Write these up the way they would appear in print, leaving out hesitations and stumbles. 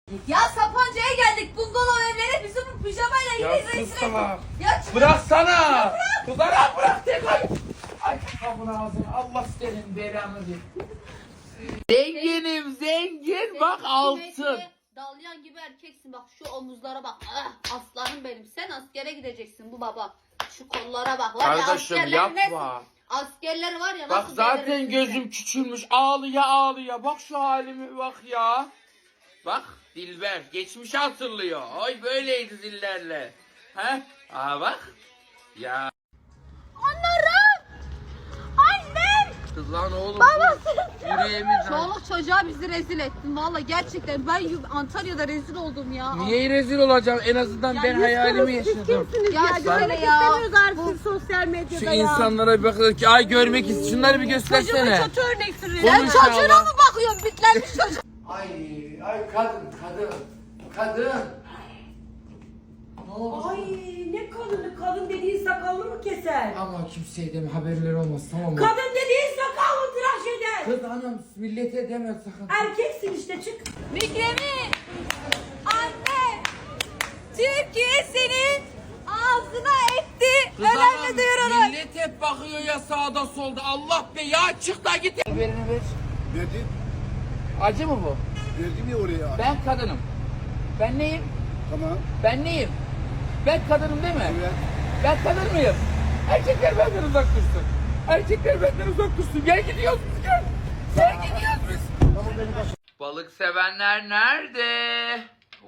Ya Sapanca'ya geldik. Bungalov evleri bizim bu pijamayla Ya yine rezil sus ettik. sana. Ya çıkar. Bıraksana. Kızlara bırak tek ay. Ay kapının ağzını. Allah senin belanı ver. Zenginim zengin bak altın. Dalyan gibi erkeksin bak şu omuzlara bak. Ah, aslanım benim. Sen askere gideceksin bu baba. Şu kollara bak. Var Kardeşim ya, yapma. askerler var ya Bak nasıl zaten delirirsin gözüm sen. küçülmüş. Ağlıya ağlıya. Bak şu halime bak ya. Bak Dilber geçmiş hatırlıyor. Oy böyleydi zillerle. He? Aa bak. Ya. Onlarım. Annem. Kız lan oğlum. Babası. Yüreğimiz. Çoluk çocuğa bizi rezil ettin. Valla gerçekten ben Antalya'da rezil oldum ya. Niye rezil olacağım? En azından ben hayalimi yaşadım. Ya Görmek istemiyoruz artık sosyal medyada Şu ya. insanlara bir bakın ki ay görmek istiyor. Şunları bir göstersene. Kötü örneksiniz. Sen Konuş çocuğuna Allah. mı bakıyorsun? Bitlenmiş çocuk. Ay kadın. Ne oldu? Ay ne kadın dediğin sakallı mı keser? Ama kimseye deme haberleri olmaz tamam mı? Kadın dediğin sakallı tıraş eder. Kız anam millete deme sakın. Erkeksin işte çık. Mikremi. Anne. Türkiye senin ağzına etti. Kız Önemli anam, duyurulur. millet hep bakıyor ya sağda solda. Allah be ya çık da git. Verini ver. Verdim. Acı mı bu? Verdim ya oraya. Ben kadınım. Ben neyim? Tamam. Ben neyim? Ben kadınım değil mi? Evet. Ben kadın mıyım? Erkekler benden uzak dursun. Erkekler benden uzak dursun. Gel gidiyoruz biz gel. Gel gidiyoruz biz. Tamam beni kaç. Balık sevenler nerede?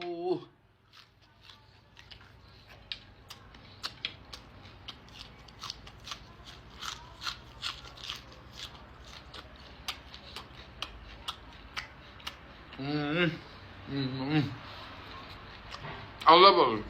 Allah balık.